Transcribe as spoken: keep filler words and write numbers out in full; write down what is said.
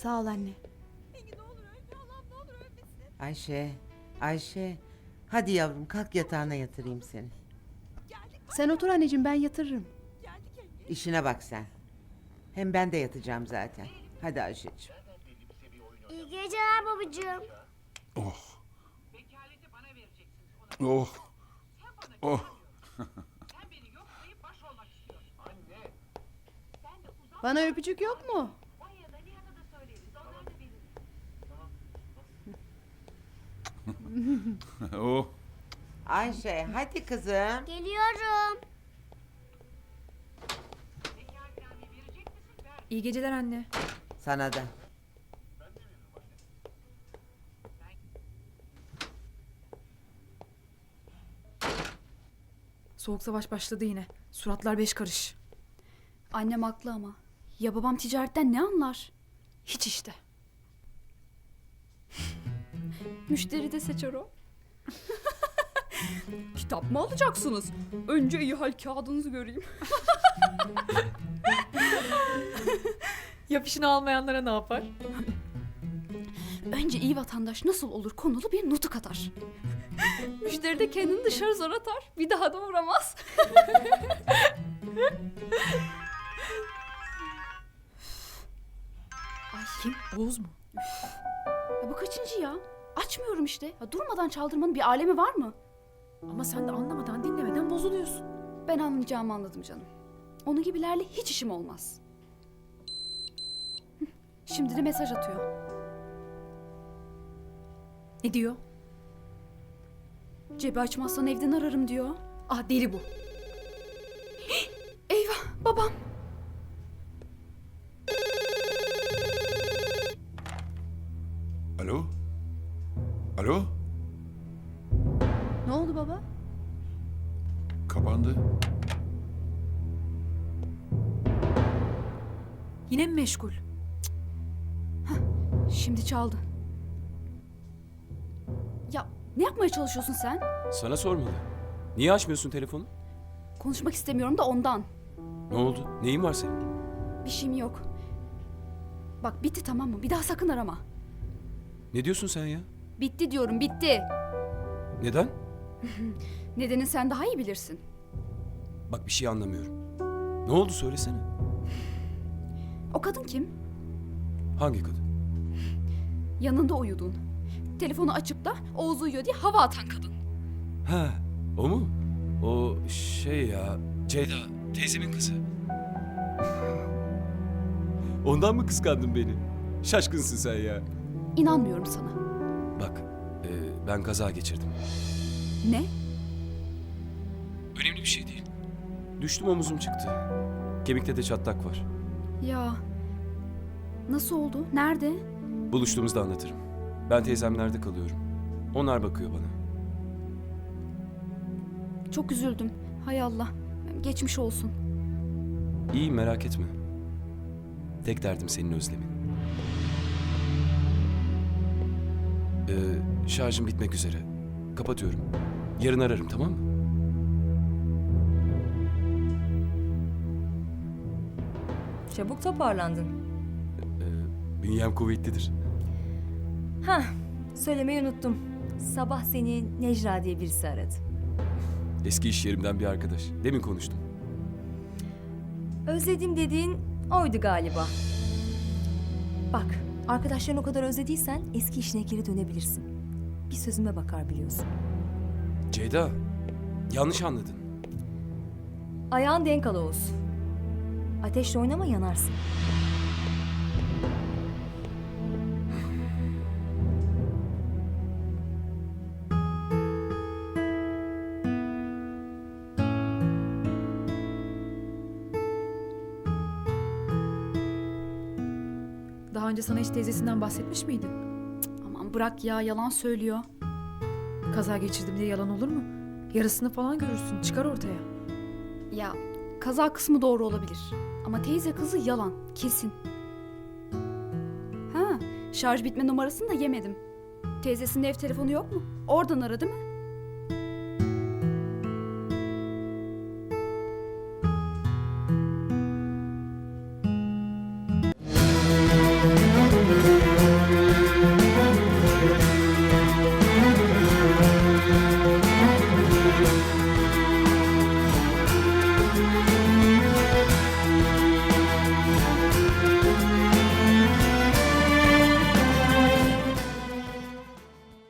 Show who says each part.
Speaker 1: Sağ ol anne.
Speaker 2: Engin ne olur ölme Allah'ım ne olur ölmesin.
Speaker 3: Ayşe, Ayşe. Hadi yavrum kalk yatağına yatırayım seni.
Speaker 2: Geldik
Speaker 1: Sen otur anneciğim, ben yatırırım.
Speaker 2: geldik Engin.
Speaker 3: İşine bak sen. Hem ben de yatacağım zaten. Hadi Ayşe'ciğim.
Speaker 4: İyi geceler babacığım.
Speaker 5: Oh. Oh. Oh.
Speaker 1: Bana öpücük yok mu?
Speaker 5: Oh.
Speaker 3: Ayşe hadi kızım.
Speaker 4: Geliyorum.
Speaker 6: İyi geceler anne.
Speaker 3: Sana da.
Speaker 6: Soğuk savaş başladı yine. Suratlar beş karış.
Speaker 7: Annem haklı ama. Ya babam ticaretten ne anlar?
Speaker 6: Hiç işte.
Speaker 7: Müşteri de seçer o.
Speaker 6: Kitap mı alacaksınız? Önce iyi hal kağıdınızı göreyim. Yapışını almayanlara ne yapar?
Speaker 7: Önce iyi vatandaş nasıl olur konulu bir nutuk atar. Müşteri de kendini dışarı zor atar. Bir daha da uğramaz.
Speaker 6: Ay kim? Oğuz mu?
Speaker 7: Ya bu kaçıncı ya? Açmıyorum işte. Ya durmadan çaldırmanın bir alemi var mı?
Speaker 6: Ama sen de anlamadan dinlemeden bozuluyorsun.
Speaker 7: Ben anlayacağımı anladım canım. Onun gibilerle hiç işim olmaz. Hıh, şimdi de mesaj atıyor.
Speaker 6: Ne diyor?
Speaker 7: Cebi açmazsan evden ararım diyor.
Speaker 6: Ah deli bu.
Speaker 7: Eyvah babam.
Speaker 5: Alo? Alo?
Speaker 1: Ne oldu baba?
Speaker 5: Kapandı.
Speaker 6: Yine mi meşgul?
Speaker 7: Şimdi çaldı. Ya ne yapmaya çalışıyorsun sen?
Speaker 8: Sana sormalı. Niye açmıyorsun telefonu?
Speaker 7: Konuşmak istemiyorum da ondan.
Speaker 8: Ne oldu? Neyin var senin?
Speaker 7: Bir şeyim yok. Bak bitti tamam mı? Bir daha sakın arama.
Speaker 8: Ne diyorsun sen ya?
Speaker 7: Bitti diyorum bitti.
Speaker 8: Neden?
Speaker 7: Nedenini sen daha iyi bilirsin.
Speaker 8: Bak bir şey anlamıyorum. Ne oldu söylesene.
Speaker 7: O kadın kim?
Speaker 8: Hangi kadın?
Speaker 7: Yanında uyudun. Telefonu açıp da Oğuz uyuyor diye hava atan kadın.
Speaker 8: Ha, o mu? O şey ya, Ceyda, teyzemin kızı. Ondan mı kıskandın beni? Şaşkınsın sen ya.
Speaker 7: İnanmıyorum sana.
Speaker 8: Bak, e, ben kaza geçirdim.
Speaker 7: Ne?
Speaker 8: Önemli bir şey değil. Düştüm, omuzum çıktı. Kemikte de çatlak var.
Speaker 7: Ya nasıl oldu? Nerede?
Speaker 8: Buluştuğumuzda anlatırım. Ben teyzemlerde kalıyorum. Onlar bakıyor bana.
Speaker 7: Çok üzüldüm. Hay Allah. Geçmiş olsun.
Speaker 8: İyi merak etme. Tek derdim senin özlemin. Ee, şarjım bitmek üzere. Kapatıyorum. Yarın ararım tamam mı?
Speaker 9: Çabuk toparlandın.
Speaker 8: Ee, bünyem kuvvetlidir.
Speaker 9: Hah, söylemeyi unuttum. Sabah seni Necra diye birisi aradı.
Speaker 8: Eski iş yerimden bir arkadaş. Demin konuştum.
Speaker 9: Özledim dediğin oydu galiba. Bak, arkadaşlarını o kadar özlediysen eski işine geri dönebilirsin. Bir sözüme bakar biliyorsun.
Speaker 8: Ceyda, yanlış anladın.
Speaker 9: Ayağın denk al Oğuz. Ateşle oynama yanarsın.
Speaker 6: Daha önce sana hiç teyzesinden bahsetmiş miydin?
Speaker 7: Aman bırak ya yalan söylüyor.
Speaker 6: Kaza geçirdim diye yalan olur mu? Yarısını falan görürsün. Çıkar ortaya.
Speaker 7: Ya kaza kısmı doğru olabilir. Ama teyze kızı yalan. Kesin. Ha şarj bitme numarasını da yemedim. Teyzesinin ev telefonu yok mu? Oradan ara değil mi?